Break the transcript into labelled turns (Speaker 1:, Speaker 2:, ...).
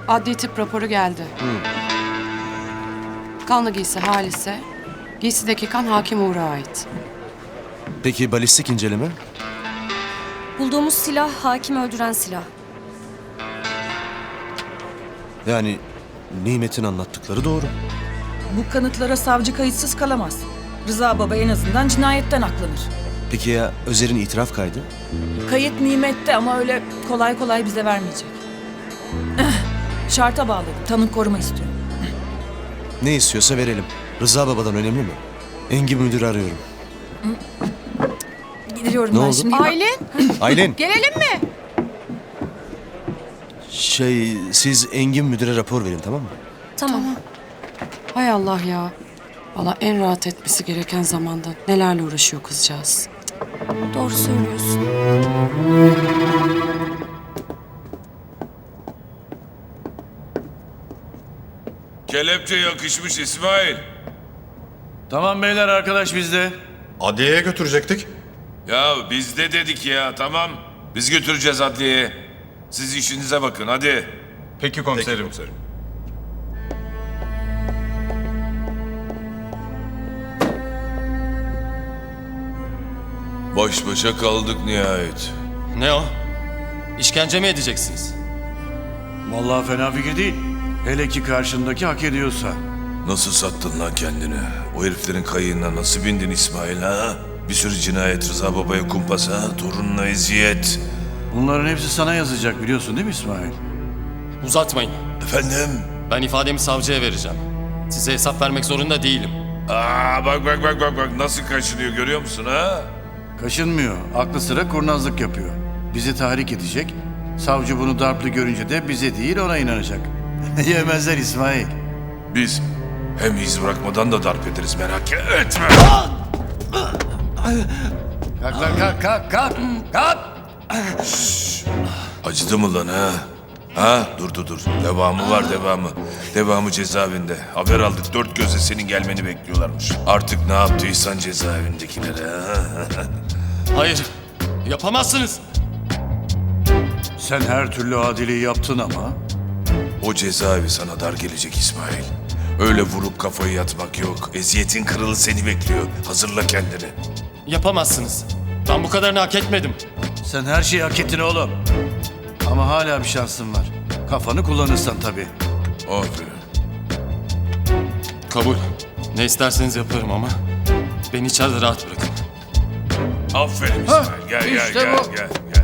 Speaker 1: Adli tıp raporu geldi. Kanlı giysi Halis'e, giysideki kan Hakim Uğur'a ait.
Speaker 2: Peki balistik inceleme?
Speaker 3: Bulduğumuz silah hakimi öldüren silah.
Speaker 2: Yani Nimet'in anlattıkları doğru.
Speaker 4: Bu kanıtlara savcı kayıtsız kalamaz. Rıza Baba en azından cinayetten aklanır.
Speaker 2: Peki ya Özer'in itiraf kaydı?
Speaker 4: Kayıt nimette ama öyle kolay kolay bize vermeyecek. Şarta bağladım. Tanık koruma istiyorum.
Speaker 2: Ne istiyorsa verelim. Rıza Baba'dan önemli mi? Engin Müdür'ü arıyorum.
Speaker 4: Gidiyorum
Speaker 2: Ne
Speaker 4: ben
Speaker 2: oldu?
Speaker 4: şimdi.
Speaker 1: Aylin,
Speaker 2: Aylin,
Speaker 1: gelelim mi?
Speaker 2: siz Engin Müdür'e rapor verin, tamam mı?
Speaker 3: Tamam.
Speaker 1: Hay Allah ya. Valla en rahat etmesi gereken zamanda nelerle uğraşıyor kızcağız.
Speaker 3: Doğru söylüyorsun.
Speaker 5: Kelepçe yakışmış İsmail.
Speaker 6: Tamam beyler, arkadaş bizde.
Speaker 7: Adliyeye götürecektik.
Speaker 5: Ya biz de dedik ya, tamam. Biz götüreceğiz adliyeye. Siz işinize bakın hadi.
Speaker 7: Peki komiserim.
Speaker 5: Baş başa kaldık nihayet.
Speaker 8: Ne o? İşkence mi edeceksiniz?
Speaker 6: Vallahi fena fikir değil. Hele ki karşındaki hak ediyorsa.
Speaker 5: Nasıl sattın lan kendini? O heriflerin kayığına nasıl bindin İsmail ha? Bir sürü cinayet, Rıza Baba'ya kumpas ha? Torununa eziyet.
Speaker 6: Bunların hepsi sana yazacak, biliyorsun değil mi İsmail?
Speaker 8: Uzatmayın.
Speaker 5: Efendim?
Speaker 8: Ben ifademi savcıya vereceğim. Size hesap vermek zorunda değilim.
Speaker 5: Bak nasıl kaçırıyor görüyor musun ha?
Speaker 6: Kaşınmıyor. Aklı sıra kurnazlık yapıyor. Bizi tahrik edecek. Savcı bunu darplı görünce de bize değil ona inanacak. Yemezler İsmail.
Speaker 5: Biz hem iz bırakmadan da darp ederiz merak etme.
Speaker 6: Kalk lan kalk.
Speaker 5: Acıdı mı lan ha? Ha? Dur. Devamı var devamı. Devamı cezaevinde. Haber aldık dört gözle senin gelmeni bekliyorlarmış. Artık ne yaptıysan cezaevindekilere ha?
Speaker 8: Hayır, yapamazsınız.
Speaker 6: Sen her türlü adiliği yaptın ama
Speaker 5: O cezaevi sana dar gelecek İsmail. Öyle vurup kafayı yatmak yok. Eziyetin kralı seni bekliyor. Hazırla kendini.
Speaker 8: Yapamazsınız. Ben bu kadarını hak etmedim.
Speaker 6: sen her şeyi hak ettin oğlum. Ama hala bir şansın var. Kafanı kullanırsan tabii.
Speaker 5: Aferin.
Speaker 8: Kabul. Ne isterseniz yaparım ama beni içeride rahat bırakın.
Speaker 5: Aferin İsmail. Gel.